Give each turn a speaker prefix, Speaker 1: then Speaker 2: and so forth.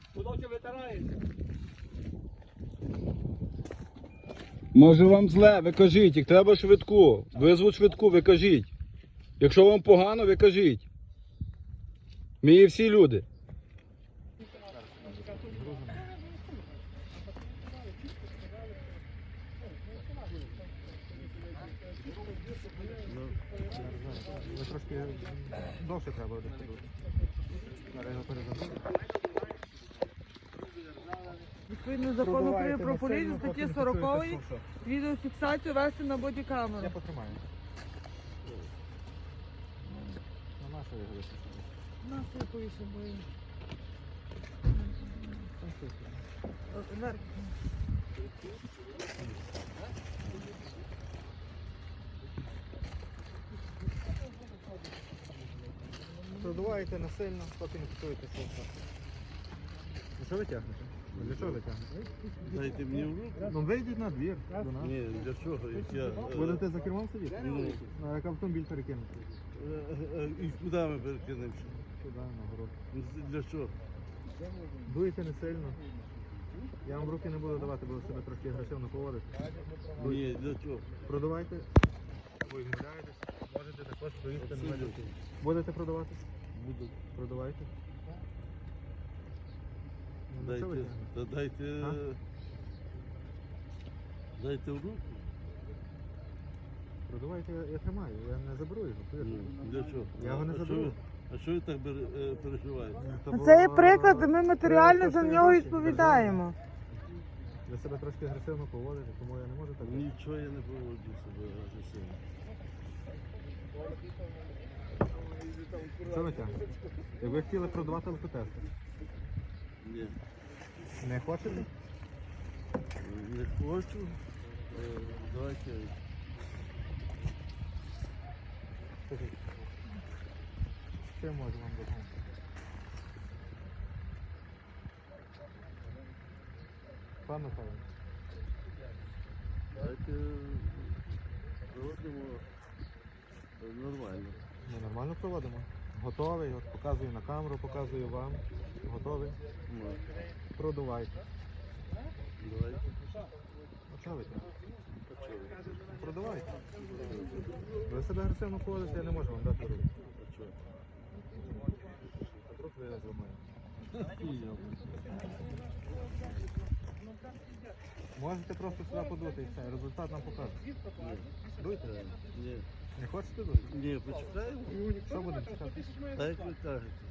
Speaker 1: Куди витираєте?
Speaker 2: Може вам зле, ви кажіть, як треба швидку. Визвуть швидку, ви кажіть. Якщо вам погано, ви кажіть. Ми є всі люди.
Speaker 3: Ви трошки довше треба буде. Зараз його перезабути.
Speaker 4: Відповідно закону України про поліцію, статті 40 відеофіксацію вести на бодікамеру.
Speaker 3: Я потримаю. На нашу його випустити.
Speaker 4: На що повіше бої.
Speaker 3: Продуваєте насильно, поки не фіксуєте все. Ну що ви тягнете? Для чого ви тягнете?
Speaker 5: Дайте мені в руку.
Speaker 3: Ну вийдіть на двір до нас.
Speaker 5: Ні, для чого? Я,
Speaker 3: Будете за кермом сидіти?
Speaker 5: Ну.
Speaker 3: А як автомобіль перекинути?
Speaker 5: І куди ми перекинемося?
Speaker 3: Туди, на город.
Speaker 5: Для чого?
Speaker 3: Дуйте не сильно. Я вам руки не буду давати, буду себе трошки агресивно поводити.
Speaker 5: Ні, для чого?
Speaker 3: Продавайте. Ви відмовляєтесь. Можете також доїсти на мене. Будете продавати?
Speaker 5: Буду.
Speaker 3: Продавайте. Ну, що ви
Speaker 5: Дайте,
Speaker 3: тягнете?
Speaker 5: та дайте,
Speaker 3: А?
Speaker 5: дайте в руку.
Speaker 3: Продавайте, я тримаю, я не заберу його. повірте.
Speaker 5: Ну, для чого?
Speaker 3: Я його не
Speaker 5: А що
Speaker 3: заберу.
Speaker 5: ви- А що ви так переживаєте?
Speaker 4: Це є приклад, і ми матеріально за нього відповідаємо.
Speaker 3: Ви себе трошки агресивно поводите, тому я не можу так.
Speaker 5: Нічого я не поводжу себе агресивно.
Speaker 3: Що ви тягнете? Як ви хотіли продавати алкотести?
Speaker 5: Ні,
Speaker 3: Не хочете?
Speaker 5: не хочу. Давайте.
Speaker 3: Скажіть. Що я можу вам допомогти? Пан Михайло,
Speaker 5: Давайте проводимо нормально.
Speaker 3: ми нормально проводимо. Готовий, от показую на камеру, показую вам. Готовий.
Speaker 5: Ну,
Speaker 3: Продувайте.
Speaker 5: давайте.
Speaker 3: А чого ви там?
Speaker 5: А чого?
Speaker 3: Продавайте. Ви себе агресивно поводите, я не можу вам дати руку.
Speaker 5: А чого?
Speaker 3: Руку я зламаю. Можете просто сюди подути і все, результат нам покаже. Дуйте.
Speaker 5: Ні.
Speaker 3: Не хочете дути?
Speaker 5: Ні, почекаємо.
Speaker 3: Що будемо чекати?
Speaker 5: Так як ви кажете.